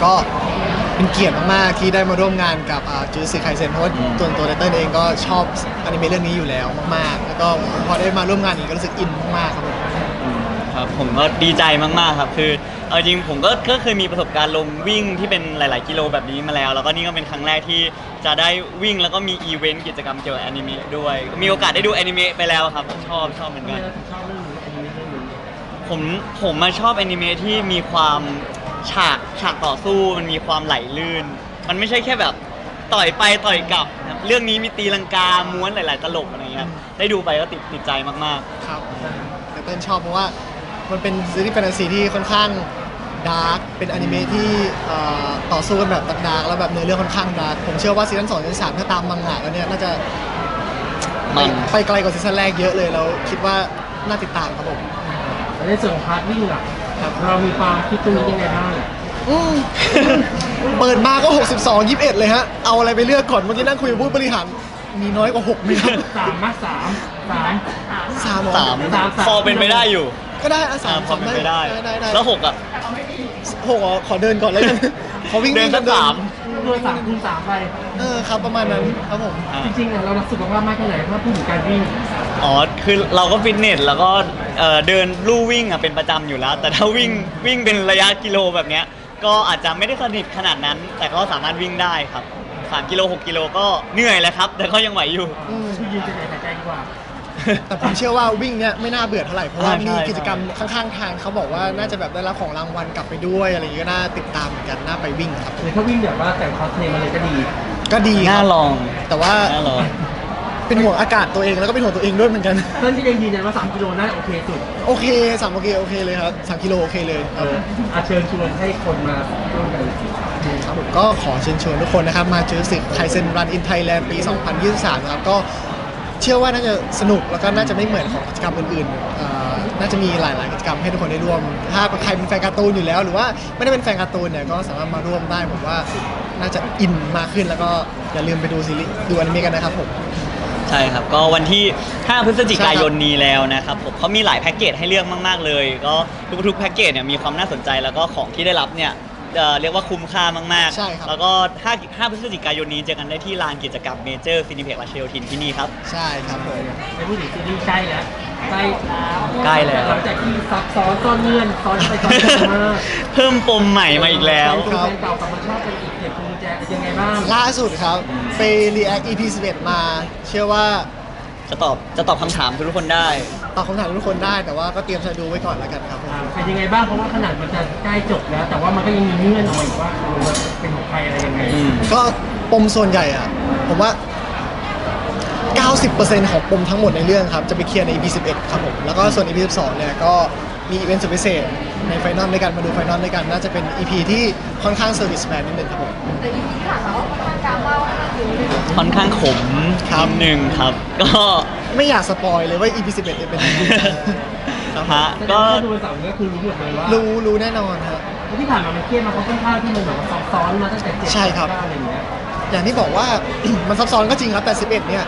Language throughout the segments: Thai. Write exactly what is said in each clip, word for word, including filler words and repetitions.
ก็เป็นเกียรติมากๆที่ได้มาร่วมงานกับจูซิไคเซนเพราะว่าตัวตัวเต้นเองก็ชอบอนิเมะเรื่องนี้อยู่แล้วมากๆแล้วก็พอได้มาร่วมงานอีกก็รู้สึกอินมากๆครับผมครับผมก็ดีใจมากๆครับคือเอาจริงผมก็ก็เคยมีประสบการณ์ลงวิ่งที่เป็นหลายๆกิโลแบบนี้มาแล้วแล้วก็นี่ก็เป็นครั้งแรกที่จะได้วิ่งแล้วก็มีอีเวนต์กิจกรรมเกี่ยวกับแอนิเมะด้วยมีโอกาสได้ดูแอนิเมะไปแล้วครับชอบชอบเหมือนกันชอบเรื่องนี้แอนิเมะเรื่องนี้ผมผมมาชอบแอนิเมะที่มีความฉากฉากต่อสู้มันมีความไหลลื่นมันไม่ใช่แค่แบบต่อยไปต่อยกลับนะเรื่องนี้มีตีลังกาม้วนหลายๆตลบอะไรเงี้ยได้ดูไปก็ติดติดใจมากๆครับแต่เต้นชอบเพราะว่ามันเป็นซีรีส์แฟนตาซีที่ค่อนข้างดาร์กเป็นอนิเมะที่ต่อสู้กันแบบดาร์กแล้วแบบเนื้อเรื่องค่อนข้างดาร์กผมเชื่อว่าซีซั่นสองซีซั่นสามถ้าตามมังงะแล้วเนี่ยน่าจะมันไปไกลกว่าซีซั่นแรกเยอะเลยแล้วคิดว่าน่าติดตามครับผมในส่วนของพาร์ทวิ่งอ่ะเรามีความคิดตรงนี้ยังไงบ้างเปิดมาก็หกสิบสอง ยี่สิบเอ็ดเลยฮะเอาอะไรไปเลือกก่อนเมื่อกี้นั่งคุยกับผู้บริหารมีน้อยกว่าหกมีครับสามมาสามสามสามสามพอเป็นไปได้อยู่ก็ได้อะสามพอเป็นไปได้แล้วหกอ่ะหกขอเดินก่อนเลยกันขอวิ่งเดินสักสามเดินสามคูณสามไปเออครับประมาณนั้นครับผมจริงๆเรารักสุขภาพมากแค่ไหนถ้าพูดถึงการวิ่งอ๋อคือเราก็ฟิตเนสแล้วก็เดินลู่วิ่งอ่ะเป็นประจำอยู่แล้วแต่ถ้าวิ่งวิ่งเป็นระยะกิโลแบบเนี้ยก็อาจจะไม่ได้สนิทขนาดนั้นแต่ก็สามารถวิ่งได้ครับสามกิโลหกกิโลก็เหนื่อยแล้วครับแต่ก็ยังไหวอยู่ยืนจะไหนหายใจดีกว่าแต่ผมเชื่อว่าวิ่งเนี้ยไม่น่าเบื่อเท่าไหร่เพราะว่ามีกิจกรรมข้างๆทางเขาบอกว่าน่าจะแบบได้รับของรางวัลกลับไปด้วยอะไรอย่างเงี้ยก็น่าติดตามเหมือนกันน่าไปวิ่งครับหรือถ้าวิ่งแบบว่าแต่งคอสเพลย์มาเลยก็ดีก็ดีน่าลองแต่ว่าน่าลองเป็นห่วงอากาศตัวเองแล้วก็เป็นห่วงตัวเองด้วยเหมือนกันเพื่อนที่ยังยืนยันว่าสามกิโลน่าโอเคสุดโอเคสามโอเคโอเคเลยครับสามกิโลโอเคเลยอาเชิญชวนให้คนมาร่วมกันครับผมก็ขอเชิญชวนทุกคนนะครับมาจูซิไคเซนรันอินไทยแลนด์ปีสองพันยี่สิบสามนะครับก็เชื่อว่าน่าจะสนุกแล้วก็น่าจะไม่เหมือนของกิจกรรมอื่นๆน่าจะมีหลายๆกิจกรรมให้ทุกคนได้ร่วมถ้าใครเป็นแฟนการ์ตูนอยู่แล้วหรือว่าไม่ได้เป็นแฟนการ์ตูนเนี่ยก็สามารถมาร่วมได้ผมว่าน่าจะอินมากขึ้นแล้วก็อย่าลืมไปดูซีรีส์ดูอนิเมะกันนะครับผมใช่ครับก็วันที่ห้าพฤศจิกายนนี้แล้วนะครับผมเขามีหลายแพ็กเกจให้เลือกมากๆเลยก็ทุกๆแพ็กเกจเนี่ยมีความน่าสนใจแล้วก็ของที่ได้รับเนี่ยเรียกว่าคุ้มค่ามากๆแล้วก็ห้าพฤศจิกายนนี้เจอกันได้ที่ลานกิจกรรมเมเจอร์ซินิเพ็กราชโยธินที่นี่ครับใช่ครับผมในผู้หญิงซีรีส์ใกล้แล้วใกล้ใกล้แล้วหลังจากที่ซับซ้อนซ่อนเงื่อนซ้อนไปซ้อนมาเพิ่มปมใหม่มาอีกแล้วแฟนเก่ากลับมาชอบเป็นอีกเด็กคุณแจยังไงบ้างล่าสุดครับไป React อี พี สิบเอ็ดมาเชื่อว่าจะตอบจะตอบคำถามทุกคนได้ตอบคำถามทุกคนได้แต่ว่าก็เตรียมใจดูไว้ก่อนแล้วกันครับเป็นยังไงบ้างเพราะว่าขนาดมันจะใกล้จบแล้วแต่ว่ามันก็ยังมีเงื่อนออกมาอีกว่าเป็นของใครอะไรยังไงก็ปมส่วนใหญ่อะผมว่า เก้าสิบเปอร์เซ็นต์ ของปมทั้งหมดในเรื่องครับจะไปเคลียร์ใน อี พี สิบเอ็ดครับผมแล้วก็ส่วน อี พี สิบสองเนี่ยก็มีอีเวนต์สุดพิเศษในไฟนอลด้วยกันมาดูไฟนอลด้วยกันน่าจะเป็น อี พี ที่ค่อนข้างเซอร์วิสแมนนิดนึงครับผมแต่ อี พี ที่ผ่านมาค่อนข้างดราม่าค่อนข้างขมนิดนึงครับก็ไม่อยากสปอยเลยว่า อี พี สิบเอ็ดจะเป็นยังไงฮะก็ดูเสาร์นี้คือรู้หมดเลยว่ารู้รู้แน่นอนครับที่ผ่านมามันเครียดมาเพราะค่อนข้างที่มันแบบซับซ้อนมาตั้งแต่เจ็ดใช่ครับอะไรอย่างเงี้ยอย่างที่บอกว่ามันซับซ้อนก็จริงครับแต่สิบเอ็ดเนี่ย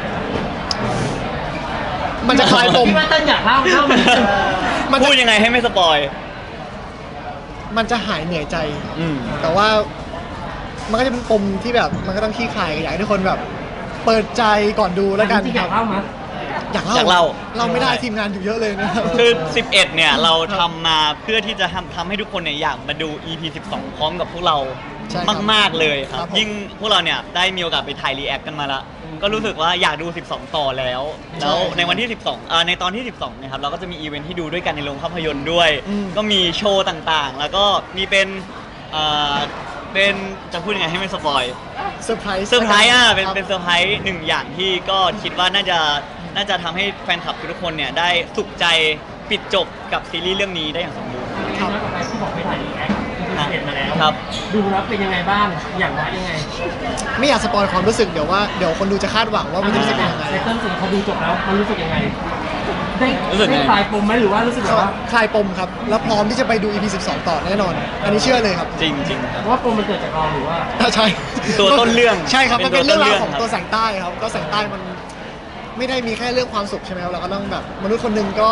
มันจะคลายปมที่ว่าต้นอยากเล่าเล่ามันพูดยังไงให้ไม่สปอยมันจะหายเหนื่อยใจแต่ว่ามันก็จะเป็นปมที่แบบมันก็ต้องขี้คลายอยากให้ทุกคนแบบเปิดใจก่อนดูแล้วกันอยากเล่ามั้ยอยากเล่าอยากเล่าเราไม่ได้ทีมงานอยู่เยอะเลยนะคือสิบเอ็ดเนี่ยเราทำมาเพื่อที่จะทำทำให้ทุกคนเนี่ยอยากมาดู อี พี สิบสองพร้อมกับพวกเรามากๆเลยครับยิ่งพวกเราเนี่ยได้มีโอกาสไปถ่ายรีแอคกันมาแล้วก็รู้สึกว่าอยากดูสิบสองต่อแล้วแล้วในวันที่สิบสองอ่าในตอนที่สิบสองนะครับเราก็จะมีอีเวนท์ที่ดูด้วยกันในโรงภาพยนตร์ด้วยก็มีโชว์ต่างๆแล้วก็มีเป็นอ่าเป็นจะพูดยังไงให้ไม่สปอยเซอร์ไพรส์เซอร์ไพรส์อ่ะเป็นเป็นเซอร์ไพรส์หนึ่งอย่างที่ก็คิดว่าน่าจะน่าจะทำให้แฟนคลับทุกคนเนี่ยได้สุขใจปิดจบกับซีรีส์เรื่องนี้ได้อย่างสมบูรณ์ครับที่บอกไปถ่ายรีแอคเห็นมาแล้วครับดูแล้วเป็นยังไงบ้างอย่างไรยังไงไม่อยากสปอยความรู้สึกเดี๋ยวว่าเดี๋ยวคนดูจะคาดหวังว่ามันจะรู้สึกยังไงในต้นสิ่งเขาดูจบแล้วมันรู้สึกยังไงได้ได้คลายปมไหมหรือว่ารู้สึกว่าคลายปมครับแล้วพร้อมที่จะไปดู อี พี สิบสองต่อแน่นอนอันนี้เชื่อเลยครับจริงจริงเพราะว่าปมมันเกิดจากเราหรือว่าใช่ตัวต้นเรื่องใช่ครับมันเป็นเรื่องราวของตัวแสงใต้ครับก็แสงใต้มันไม่ได้มีแค่เรื่องความสุขใช่ไหมครับเราก็ต้องแบบมนุษย์คนหนึ่งก็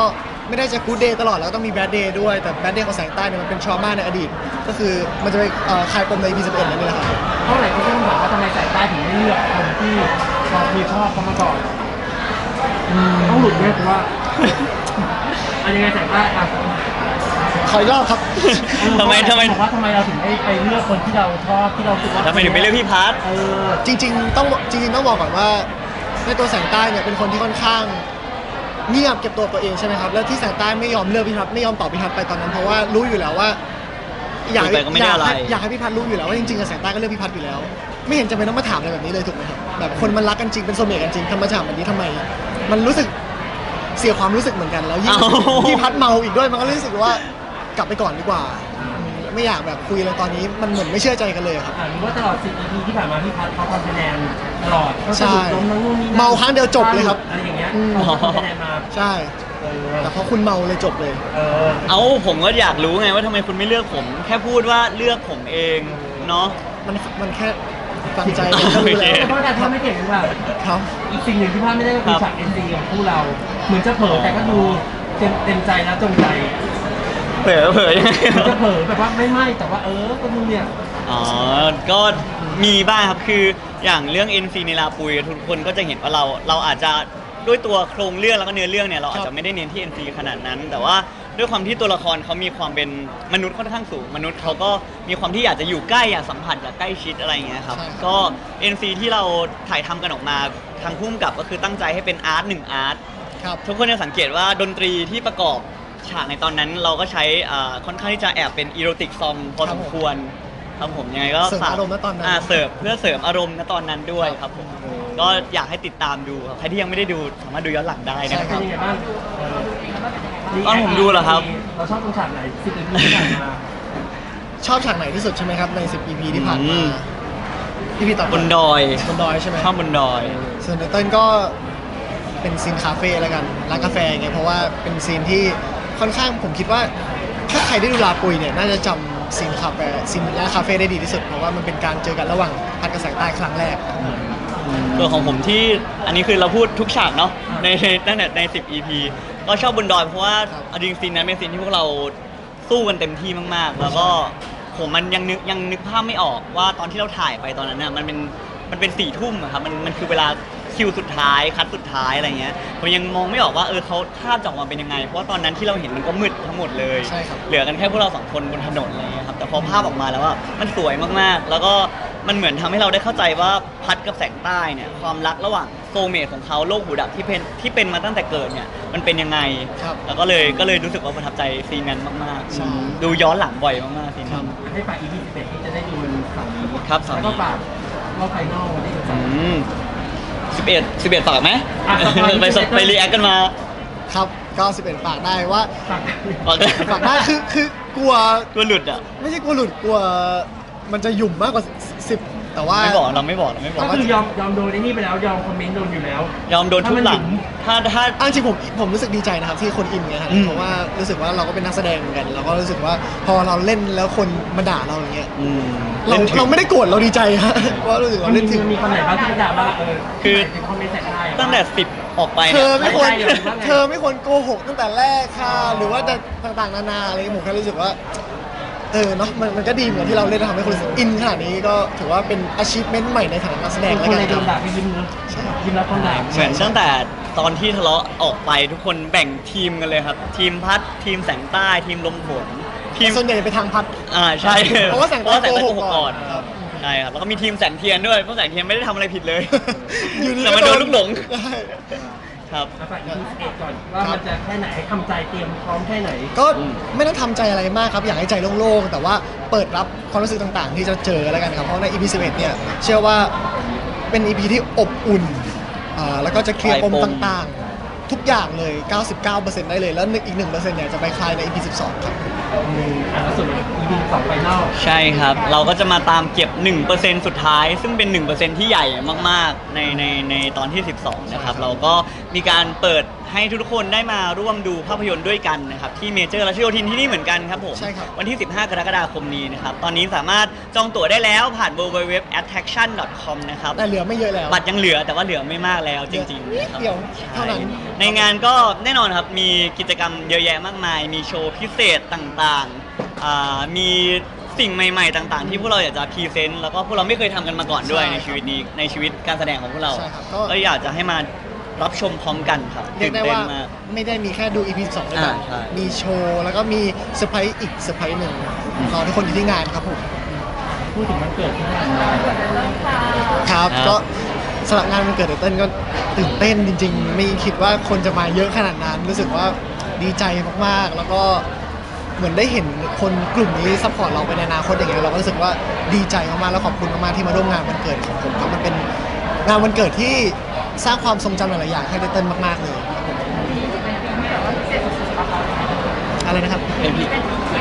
ไม่ได้จะกู๊ดเดย์ตลอดแล้วก็ต้องมีแบดเดย์ด้วยแต่แบดเดย์ของแสงใต้เนี่ยมันเป็นทรมาในอดีตก็คือมันจะไปเอ่อคลายปมใน อี พี สิบเอ็ดนั่นเองแหละครับเท่าไหร่ก็ต้องถามว่าทำไมสายใต้ถึงไม่เลือกคนที่เราเคยชอบเขามาก่อนต้องหลุดเนี่ยถือว่าอันยังไงสายใต้อ่ะขออีกรอบครับทำไมทำไมบอกว่าทำไมเราถึงไม่ไปเลือกคนที่เราชอบที่เราคิดว่าทำไมถึงไม่เลือกพี่พัทเออจริงๆต้องจริงๆต้องบอกก่อนว่าในตัวแสงใต้เนี่ยเป็นคนที่ค่อนข้างเงียบเก็บตัวตัวเองใช่ไหมครับแล้วที่แสงใต้ไม่ยอมเลือกพี่พัฒน์ไม่ยอมตอบพี่พัฒน์ไปตอนนั้นเพราะว่ารู้อยู่แล้วว่า อยากคุยไปก็ไม่ได้อยากอะไรให้อยากให้พี่พัฒน์รู้อยู่แล้วว่าจริงๆกับแสงใต้ก็เลือกพี่พัฒน์อยู่แล้ว ไม่เห็นจำเป็นต้องมาถามอะไรแบบนี้เลยถูกไหมครับแบบคนมันรักกันจริงเป็นโซเมตกันจริงทำมาถามแบบนี้ทำไม มันรู้สึกเสียความรู้สึกเหมือนกันแล้วยิ่งเอ้าพี่พัฒน์เมาอีกด้วยมันก็รู้สึกว่ากลับไปก่อนดีกว่าอืมไม่อยากแบบคุยอะไรตอนนี้มันเหมือนไม่เชื่อใจกันเลยครับอ่าหรือว่าตลอดสิบ อี พี ที่ผ่านมาพี่พัฒน์เขาทำคะแนนตลอดเขาสะใช่ดุดล้มทั้งนู่นนี่นั่นเมาครั้งเดียวจบเลยครับอะไรอย่างเงี้ยอืมเขาทำคะแนนมาใช่เออแต่พอคุณเมาเลยจบเลยเออเอาผมก็อยากรู้ไงว่าทำไมคุณไม่เลือกผม แค่พูดว่าเลือกผมเองเนาะมันมันแค่ฟังใจมันก็รู้แล้วแต่เพราะการทำไม่เก่งหรือเปล่าครับอีกสิ่งหนึ่งที่พลาดไม่ได้ก็คือฉาก เอ็น ซี ของคู่เรา เหมือนจะเผลอแต่ก็ดูเต็มเต็มใจแล้วจงใจเผลอเผลอยังไงเหมือนจะเผลอแบบว่าไม่ไม่แต่ว่าเออก็ดูเนี่ยอ๋อ ก็มีบ้างครับ คืออย่างเรื่อง เอ็น ซี ในลาปุยทุกคนก็จะเห็นว่าเรา เราอาจจะด้วยตัวโครงเรื่องแล้วก็เนื้อเรื่องเนี่ยเราอาจจะไม่ได้เน้นที่ เอ็น ซี ขนาดนั้น แต่ว่าด้วยความที่ตัวละครเขามีความเป็นมนุษย์ค่อนข้างสูง มนุษย์เขาก็มีความที่อยากจะอยู่ใกล้อยากสัมผัสอยากใกล้ชิดอะไรอย่างเงี้ยครับใช่ครับก็ เอ็น ซี ที่เราถ่ายทำกันออกมาทางพุ่มกับก็คือตั้งใจให้เป็นอาร์ตหนึ่งอาร์ตครับทุกคนจะสังเกตว่าดนตรีที่ประกอบฉากในตอนนั้นเราก็ใช้อ่าค่อนข้างที่จะแอบเป็นอีโรติกซองพอสมควรครับผมยังไงก็เสริมฝกอารมณ์ณตอนนั้นาเสิร์ฟเพื่อเสริมอารมณ์ณตอนนั้นด้วยครับผมก็อยากให้ติดตามดูครับใครที่ยังไม่ได้ดูสามารถดูย้อนหลังได้นะคเป็รันบยังไงบ้างเออตอนผมดูเหรอครับเราชอบตรงฉากไหนสิบ อี พีที่ผ่านมาชอบฉากไหนที่สุดใช่ไหมครับใน สิบ อี พี ที่ผ่านอืมามอี พี ต่อไปบนดอยบนดอยใช่ไหมข้ามบนดอยส่วนในเต้นก็เป็นซีนคาเฟ่แล้วกันร้านกาแฟไงเพราะว่าเป็นซีนที่ค่อนข้างผมคิดว่าถ้าใครได้ดูลาปุยเนี่ยน่าจะจำซีนคาเฟ่ซีนร้านคาเฟ่ได้ดีที่สุดเพราะว่ามันเป็นการเจอกันระหว่างพัดกับแสงใต้ครั้งแรกส่วนของผมที่อันนี้คือเราพูดทุกฉากเนาะในตั้งแต่ใน สิบ อี พี ก็ชอบบนดอยเพราะว่าครับเอาจริงซีนนั้นเป็นซีนที่พวกเราสู้กันเต็มที่มากๆ แล้วก็ผมมันยังนึกยังนึกภาพไม่ออกว่าตอนที่เราถ่ายไปตอนนั้นน่ะมันเป็นมันเป็นสี่ทุ่มอะครับมันมันคือเวลาคิวสุดท้ายคัดสุดท้ายอะไรเงี้ยผมยังมองไม่ออกว่าเออเขาภาพจะออกมาเป็นยังไง เพราะว่าตอนนั้นที่เราเห็นมันก็มืดทั้งหมดเลยใช่ครับเหลือกันแค่พวกเราสองคนบนถนนอะไรเงี้ยครับแต่พอภาพออกมาแล้วว่ามันสวยมากๆ แล้วก็มันเหมือนทำให้เราได้เข้าใจว่าพัดกับแสงใต้เนี่ยความรักระหว่างโซลเมทของเขาโลกหูดับที่เป็นที่เป็นมาตั้งแต่เกิดเนี่ยมันเป็นยังไงครับแล้วก็เลยก็เลยรู้สึกว่าประทับใจซีนนั้นมากใช่ๆ ดูย้อนหลังบ่อยมากๆซีนนั้นให้ฝาก อี พี สิบเอ็ดที่จะได้ดูวันเสาร์นี้ครับเสาร์นี้แล้วก็ฝากรอบไฟนอลวันที่สิบสองสิบเอ็ดสิบเอ็ดฝากไหมอ่ะฝากไปสดสิบเอ็ดไปรีแอคกันมาครับก็สิบเอ็ดฝากได้ว่าฝากฝากได้ฝากได้คือคือกลัวตัวหลุดอ่ะไม่ใช่กลัวหลุดกลัวมันจะหยุ่มมากกว่าสิบแต่ว่าไม่บอกเราไม่บอกเราไม่บอกก็คือยอมยอมโดนไอ้นี่ไปแล้วยอมคอมเมนต์โดนอยู่แล้วยอมโดนทุบหลัง ถ้าถ้าเอาจริงๆผมผมรู้สึกดีใจนะครับที่คนอินไงครับอืมเพราะว่ารู้สึกว่าเราก็เป็นนักแสดงเหมือนกันเราก็รู้สึกว่าพอเราเล่นแล้วคนมาด่าเราอย่างเงี้ยอืมเราล่นถึงเราไม่ได้โกรธเราดีใจฮะ เพราะรู้สึกมัเรานมีเล่นถึงมันมีคำไหนบ้างที่จะด่าว่าเออคือถึงคอมเมนต์ใส่ได้อะตั้งแต่สิบออกไปเธนี่ยอไม่ควรไม่ได้เลยว่าไงเธอไม่ควรโกหกตั้งแต่แรกค่ะ หรือว่าจะต่างๆนานาอะไรผมแค่รู้สึกว่าเออเนาะมันมันก็ดีเหมือนที่เราเล่นแล้วทำให้คนรู้สึกอินขนาดนี้ก็ถือว่าเป็น achievement ใหม่ในฐานะนักแสดงทุกแล้วคนกัเลยนโดครับนด่าไปยิ้มเนอะยิ้มแล้วคนด่าเหมือนตั้งแต่ตอนที่ทะเลาะออกไปทุกคนแบ่งทีมกันเลยครับ ทีมพัดทีมแสงใต้ทีมลมฝนทีมส่วนใหญ่จะไปทางพัดอ่าใช่เพราะว่าแสงใต้เพระโกหกก่อนครับใช่ครับแล้วก็มีทีมแสงเทียนด้วยเพราะแสงเทียนไม่ได้ทำอะไรผิดเลยอยู่ดีแต่มันโดนลูกหลงใช่ครับแล้วฝาก อี พี สิบเอ็ดก่อนว่ามันจะแค่ไหนให้ทำใจเตรียมพร้อมแค่ไหนก็ไม่ต้องทำใจอะไรมากครับ อยากให้ใจโล่งๆ แต่ว่าเปิดรับความรู้สึกต่างๆ ที่จะเจอแล้วกันครับ เพราะใน อี พี สิบเอ็ดเนี่ยเชื่อว่าเป็น อี พี ที่อบอุ่นอ่าแล้วก็จะเคลียร์ปมคลายปมต่างๆ ทุกอย่างเลย เก้าสิบเก้าเปอร์เซ็นต์ ได้เลย แล้วอีกหนึ่งเปอร์เซ็นต์เนี่ยจะไปคลายใน อี พี สิบสองครับอืมอ่ะแล้วส่วน อี พี สองไฟนอลใช่ครับ เราก็จะมาตามเก็บ หนึ่งเปอร์เซ็นต์ สุดท้าย ซึ่งเป็น หนึ่งเปอร์เซ็นต์ ที่ใหญ่มากๆในในในตอนที่ สิบสอง นะครับ เราก็มีการเปิดให้ทุกคนได้มาร่วมดูภาพยนตร์ด้วยกันนะครับ ที่เมเจอร์รัชโยธินที่นี่เหมือนกันครับผมใช่ครับวันที่ สิบห้า กรกฎาคมนี้นะครับ ตอนนี้สามารถจองตั๋วได้แล้วผ่าน ดับเบิลยู ดับเบิลยู ดับเบิลยู ดอท attraction ดอท คอม นะครับแต่เหลือไม่เยอะแล้วบัตรยังเหลือแต่ว่าเหลือไม่มากแล้วจริงๆนิดนะครับเดียวเท่านั้นใช่ในงานก็แน่นอนครับ มีกิจกรรมเยอะแยะมากมาย มีโชว์พิเศษต่างๆอ่ามีสิ่งใหม่ๆต่างๆ ที่พวกเราอยากจะพรีเซนต์แล้วก็พวกเราไม่เคยทำกันมาก่อนด้วยใช่ในชีวิตนี้ในชีวิตการแสดงของพวกเราใช่ครับก็ก็อยากจะให้มารับชมพร้อมกันครับเรียกได้ว่าตื่นเต้นมกไม่ได้มีแค่ดู อี พี สองด้วยกันอ่าใช่มีโชว์แล้วก็มีเซอร์ไพรส์อีกเซอร์ไพรส์หนึ่งรอทุกคนอยู่ที่งานครับผมพูดถึงวันเกิดที่ผ่านมาครับครับก็สำหรับงานวันเกิดเต้นก็ตื่นเต้นจริง ๆ ไม่คิดว่าคนจะมาเยอะขนาดนั้น รู้สึกว่าดีใจมากๆ แล้วก็เหมือนได้เห็นคนกลุ่มนี้ซัพพอร์ตเราไปในอนาคตอย่างเงี้ยเราก็รู้สึกว่าดีใจมากๆแล้วขอบคุณมากๆที่มาร่วมงานวันเกิดของผมครับมันเป็นงานวันเกิดที่สร้างความทรงจำหลายๆอย่างให้เต้นมากๆเลยครับผมอะไรนะครับเป็นพี่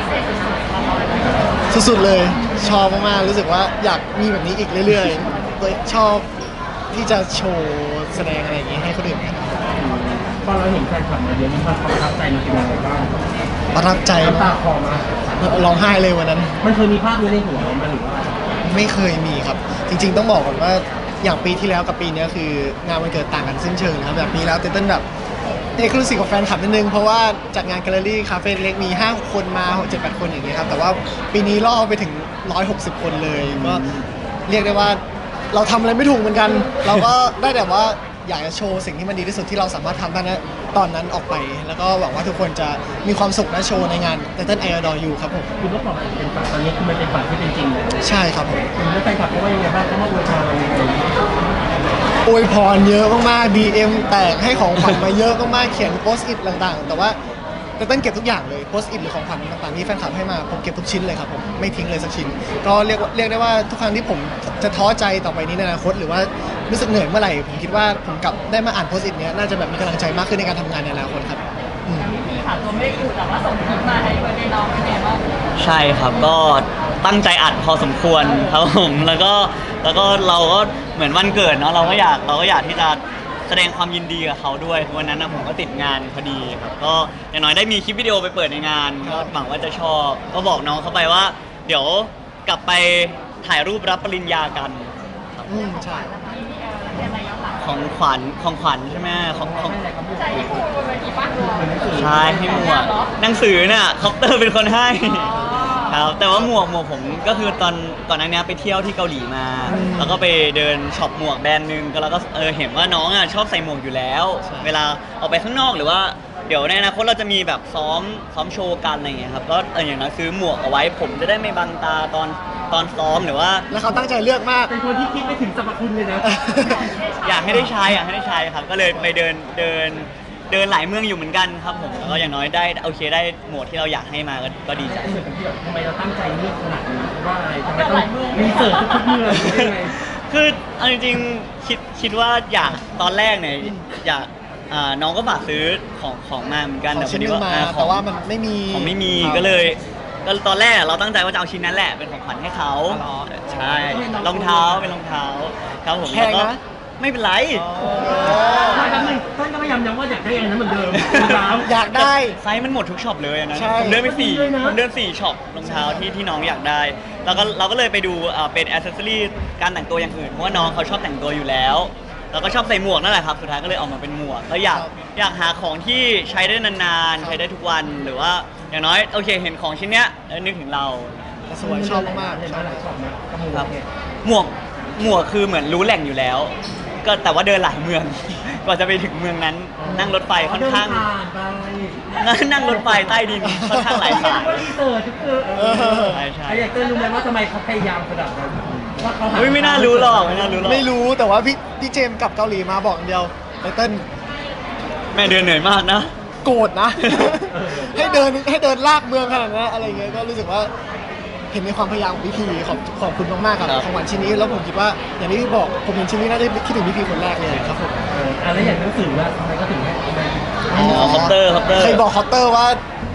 สุดๆเลยชอบมากๆรู้สึกว่าอยากมีแบบนี้อีกเรื่อยๆโดยชอบที่จะโชว์แสดงอะไรอย่างงี้ให้คนอื่นเห็นพอเราเห็นแฟนคลับมาเยอะมีความประทับใจมันเป็นยังไงบ้างประทับใจน้ำตามากคลอมาร้องไห้เลยวันนั้นมันเคยมีภาพนี้ในหัวเราไหมหรือว่าไม่เคยมีครับ จริง ๆ ต้องบอกก่อนว่าอย่างปีที่แล้วกับปีนี้คืองานวันเกิดต่างกันสิ้นเชิงนะครับแบบปีแล้วเต้นแบบเอกลูซีกับแฟนคลับนิดนึงเพราะว่าจัดงานแกลเลอรี่คาเฟ่เล็กมีห้าคนมาหกเจ็ดแปดคนอย่างเงี้ยครับแต่ว่าปีนี้ล่อไปถึงหนึ่งร้อยหกสิบคนเลยก็เรียกได้ว่าเราทำอะไรไม่ถูกเหมือนกัน เราก็ได้แต่ว่าอยากจะโชว์สิ่งที่มันดีที่สุดที่เราสามารถทำได้นะตอนนั้นออกไป แล้วก็หวังว่าทุกคนจะมีความสุขนะโชว์ในงานเต้นไอดอลยูครับผมคือเมื่อก่อนมันเป็นฝันตอนนี้คือมันเป็นฝันที่เป็นจริงเลยใช่ครับผมคุณแล้วแฟนคลับเขาว่ายังไงบ้างเขามาอวยพรเรายังไงอวยพรเยอะมากๆ ดี เอ็ม แตกให้ของขวัญมาเยอะมากๆ เขียนโพสต์อิทต่างๆ แต่ว่าแต่เต้นเก็บทุกอย่างเลยโพสต์อิทหรือของขวัญต่างๆที่แฟนคลับให้มาผมเก็บทุกชิ้นเลยครับผมไม่ทิ้งเลยสักชิ้น ก็เรียกว่าเรียกได้ว่าทุกครั้งที่ผมจะท้อใจต่อไปนี้ในอนาคตหรือว่ารู้สึกเหนื่อยเมื่อไหร่ผมคิดว่าผมกลับได้มาอ่านโพสต์อิทเนี้ยน่าจะแบบมีกำลังใจมากขึ้นในการทำงานในอนาคตครับอืมพี่ค่ะตัวไม่ได้อยู่แต่ว่าส่งคลิปมาให้เบอร์เดย์น้องเป็นไงบ้างใช่ครับก็ตั้งใจอัดพอสมควรครับผมแล้วก็แล้วก็เราก็เหมือนวันเกิดเนาะเราก็อยากเราก็อยากที่จะแสดงความยินดีกับเขาด้วยวันนั้นนะผมก็ติดงานพอดีครับก็อย่างน้อยได้มีคลิปวิดีโอไปเปิดในงานก็หวังว่าจะชอบก็บอกน้องเขาไปว่า เดี๋ยวกลับไปถ่ายรูปรับปริญญากันอืมใช่ของขวัญของขวัญใช่ไหมของของใช่ที่พูดบนเวทีป้าใช่ให้หมวกหนังสือน่ะคอปเตอร์เป็นคนให้ ครับแต่ว่าหมวกหมวกผมก็คือตอนก่อนหน้านี้ไปเที่ยวที่เกาหลีมาอืมแล้วก็ไปเดินช็อปหมวกแบรนด์หนึงก็แล้วก็เออเห็นว่าน้องอ่ะชอบใส่หมวกอยู่แล้วใช่เวลาออกไปข้างนอกหรือว่าเดี๋ยวในอนาคตเราจะมีแบบซ้อมซ้อมโชว์กันอะไรอย่างเงี้ยครับก็เอออย่างน้อยซื้อหมวกเอาไว้ผมจะได้ไม่บังตาตอนตอนซ้อมหรือว่าแล้วเขาตั้งใจเลือกมากเป็นคนที่คิดไม่ถึงสรรพคุณเลยนะอยากให้ได้ใช้อยากให้ได้ใช้ครับ ก็เลยไปเดินเดินเดินหลายเมืองอยู่เหมือนกันครับผมแล้วก็อย่างน้อยได้โอเคได้หมวดที่เราอยากให้มาก็ก็ดีใจเหมือนกับที่แบบทำไมเราตั้งใจเลือกขนาดนี้ว่าอะไรทำไมต้องรีเสิร์ชทุกๆเมืองได้ไงคือเอาจริงๆคิดคิดว่าอยากตอนแรกเนี่ยอยากอ่าน้องก็ฝากซื้อของของมาเหมือนกันของแต่พชิ้อน ดีหนึงว่ามาอ่แต่ว่ามันไม่มีของไม่มีครับก็เลยก็ตอนแรกเราตั้งใจว่าจะเอาชิ้นนั้นแหละเป็นของขวัญให้เขาอ๋อใช่รองเท้าเป็นรองเท้าครับผมแพงนะล้วก็ไม่เป็นไรไม่แป๊บนึงท่านก็พยายามย้ำว่าอยากได้อันนั้นเหมือนเดิมรองเท้าอยากได้ไซส์มันหมดทุกช็อปเลยอะนะใช่ผมเดินไปสี่ด้วยนะผมเดินสี่ช็อปรองเท้าที่ที่น้องอยากได้ แล้วก็เราก็เลยไปดูอ่าเป็นอ c เซสซอรี่การแต่งตัวอย่างอื่นเพราะว่าน้องเขาชอบแต่งตัวอยู่แล้ว แล้วก็ชอบใส่หมวกนั่นแหละครับสุดท้ายก็เลยออกมาเป็นหมวกก็อยากอยากหาของที่ใช้ได้นานๆใช้ได้ทุกวันหรือว่าอย่างน้อยโอเคเห็นของชิ้นเนี้ยเออนึกถึงเราแต่สวยชอบมากเห็นๆชมาอบหลายช็อปนะกระมูครับเนี่ยหมวกหมวกคือเหมือนรู้แหล่งอยู่แล้ว ก็แต่ว่าเดินหลายเมือง กว่าจะไปถึงเมืองนั้น นั่งรถไฟค่อนข้างเดินผ่านไปนั่งรถไฟใต้ดินค่อนข้างหลายสายรีเสิร์ชทุกเออเออใช่ใช่ไอ้อยากเต้นรู้ไหมว่าทำไมเขาพยายามขนาดนั้นว่าเขาหาเฮ้ยไม่น่ารู้หรอกไม่น่ารู้หรอกไม่รู้แต่ว่าพี่พี่เจมส์กลับเกาหลีมาบอกอย่างเดียวไตเติ้ลแม่เดินเหนื่อยมากนะโกรธนะ ให้เดินให้เดินลากเมืองขนาดนั้นอะไรเงี้ยก็รู้สึกว่าเห็นในความพยายามของพี่พีขอบขอบคุณมากๆกับครับของขวัญชิ้นนี้แล้วผมคิดว่าอย่างที่พี่บอกผมเห็นชิ้นนี้น่าจะคิดถึงพี่พีคนแรกเลยครับผมเอออ่ะแล้วอย่างหนังสือว่าทำไมก็ถึงให้อ๋อคอปเตอร์คอปเตอร์เคยบอกคอปเตอร์ว่า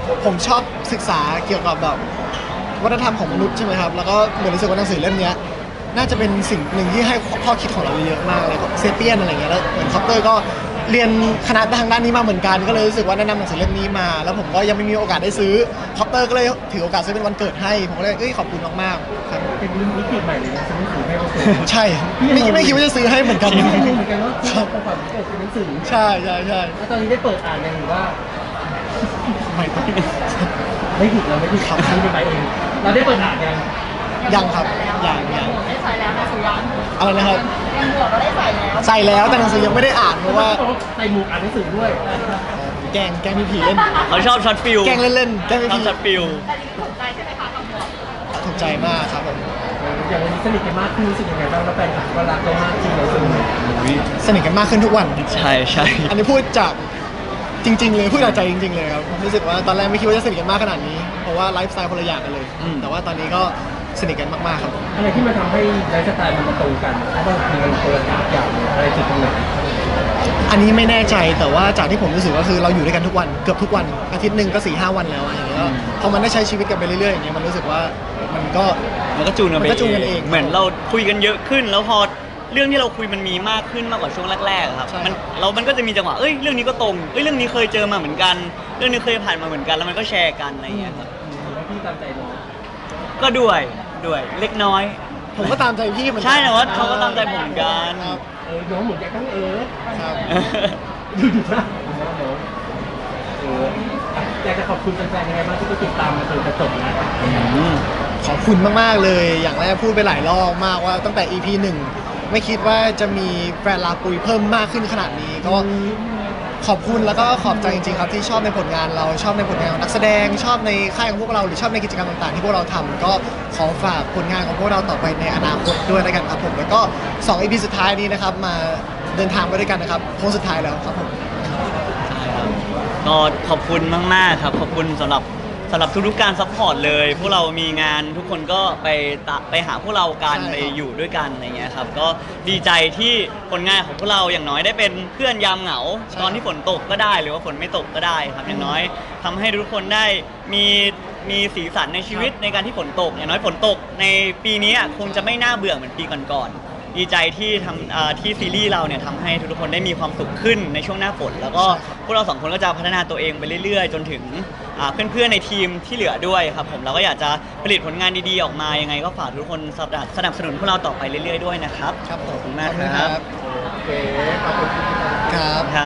ผมชอบศึกษาเกี่ยวกับแบบวัฒนธรรมของมนุษย์ใช่ไหมครับแล้วก็เหมือนรู้สึกว่าหนังสือเล่มเนี้ยน่าจะเป็นสิ่งหนึ่งที่ให้ข้อคิดของเราเยอะมากเลยเซเปียนอะไรเงี้ยแล้วเหมือนคอปเตอร์ก็เรียนคณะทางด้านนี้มาเหมือนกันก็เลยรู้สึกว่าแนะนำหนังสือเล่มนี้มาแล้วผมก็ยังไม่มีโอกาสได้ซื้อคอปเตอร์ก็เลยถือโอกาสซื้อเป็นวันเกิดให้ผมก็เลยเอ้ยขอบคุณมากๆครับเป็นมิติใหม่เลยนะซื้อหนังสือให้เขาเปิดใช่ไม่ไม่คิดว่าจะซื้อให้เหมือนกันไม่รู้เหมือนกันว่าซื้อของขวัญวันเกิดเป็นหนังสือใช่ใช่ใช่แล้วตอนนี้ได้เปิดอ่านยังหรือว่าไม่ต้องไม่ผิดเราไม่ผิดครับซื้อไปเองเราได้เปิดอ่านยังยังครับยังยังได้ใส่แล้วนะสุยังอะไรนะครับยังหมวกก็ได้ใส่แล้วใส่แล้วแต่หนังสือยังไม่ได้อ่านเพราะว่าใส่หมวกอ่านหนังสือด้วยแกล้งแกล้งพี่ผีเล่นเขาชอบช็อตฟิลแกล้งเล่นๆแกล้งพี่ชอบผีช็อตฟิลแต่นี่ถูกใจใช่ไหมคะกับหมวกถูกใจมากครับผมอย่างวันนี้สนิทกันมากขึ้นรู้สึกยังไงบ้างแล้วแฟนคลับก็รักเรามากขึ้นเลยซึ่งสนิทกันมากขึ้นทุกวันใช่ใช่อันนี้พูดจากจริง ๆ เลยพูดจากใจจริง ๆ เลยครับรู้สึกว่าตอนแรกไม่คิดว่าจะสนิทกันมากขนาดนี้เพราะว่าไลฟ์สไตล์คนละอย่างกันเลย แต่ว่าตอนนี้ก็สนิทกันมากๆครับอะไรที่มันทำให้ไลฟ์สไตล์มันมาตรงกันเพราะบางทีมันคนละอย่างเลยอะไรจุดตรงไหนอันนี้ไม่แน่ใจแต่ว่าจากที่ผมรู้สึกก็คือเราอยู่ด้วยกันทุกวันเกือบทุกวันอาทิตย์หนึ่งก็สี่ห้าวันแล้วอะอย่างเงี้ยก็พอมันได้ใช้ชีวิตกันไปเรื่อยๆอย่างเงี้ยมันรู้สึกว่ามันก็มันก็จูนกันไปมันก็จูนกันเองเหมือนเราคุยกันเยอะขึ้น แล้วพอเรื่องที่เราคุยมันมีมากขึ้นมากกว่าช่วงแรกๆอะครับใช่มันเรามันก็จะมีจังหวะเอ้ยเรื่องนี้ก็ตรงเอ้ยเรื่องนี้เคยเจอมาเหมือนกัน เรื่องนี้เคยผ่านมาเหมือนกัน แล้วมันก็แชร์กันอะไรอย่างเงี้ยครับแล้วพี่ตามใจน้องก็ด้วยด้วยเล็กน้อยผมก็ตามใจพี่เหมือนกันใช่แต่ว่าเขาก็ตามใจผมเหมือนกันครับเออน้องเหมือนแกต้องเออครับดูดูนะน้องเอออยากจะขอบคุณแฟนๆยังไงบ้างที่ก็ติดตามมาจนจะจบนะขอบคุณมาก ๆ เลย อย่างแรกพูดไปหลายรอบมากว่าตั้งแต่ อี พี หนึ่งไม่คิดว่าจะมีแฟนลาปุยเพิ่มมากขึ้นขนาดนี้ ก็ขอบคุณแล้วก็ขอบใจจริง ๆ ครับที่ชอบในผลงานเราชอบในผลงานของนักแสดง ชอบในค่ายของพวกเราหรือชอบในกิจกรรมต่าง ๆ ที่พวกเราทำก็ขอฝากผลงานของพวกเราต่อไปในอนาคตด้วยแล้วกันครับผมแล้วก็สอง อี พี สุดท้ายนี้นะครับมาเดินทางไปด้วยกันนะครับโค้งสุดท้ายแล้วครับผมใช่ครับก็ขอบคุณมากๆครับ ขอบคุณสำหรับสำหรับทุกๆการซัพพอร์ตเลย พวกเรามีงานทุกคนก็ไปตะไปหาพวกเรากันใช่ครับไปอยู่ด้วยกันอะไรเงี้ยครับก็ดีใจที่ผลงานของพวกเราอย่างน้อยได้เป็นเพื่อนยามเหงา ตอนที่ฝนตกก็ได้หรือว่าฝนไม่ตกก็ได้ครับอย่างน้อยทำให้ทุกคนได้มีมีสีสันในชีวิตในการที่ฝนตก อย่างน้อยฝนตกในปีนี้อ่ะคงจะไม่น่าเบื่อเหมือนปีก่อนๆ ดีใจที่ทำเอ่อที่ซีรีส์เราเนี่ยทำให้ทุกๆคนได้มีความสุขขึ้นในช่วงหน้าฝน แล้วก็พวกเราสองคนก็จะพัฒนาตัวเองไปเรื่อยๆ จนถึงอ่าเพื่อนๆในทีมที่เหลือด้วยครับผมเราก็อยากจะผลิตผลงานดีๆออกมายังไงก็ฝากทุกคนสนับสนับสนุนพวกเราต่อไปเรื่อยๆด้วยนะครับครับผมขอบคุณมากขอบคุณครับโอเคขอบคุณครับ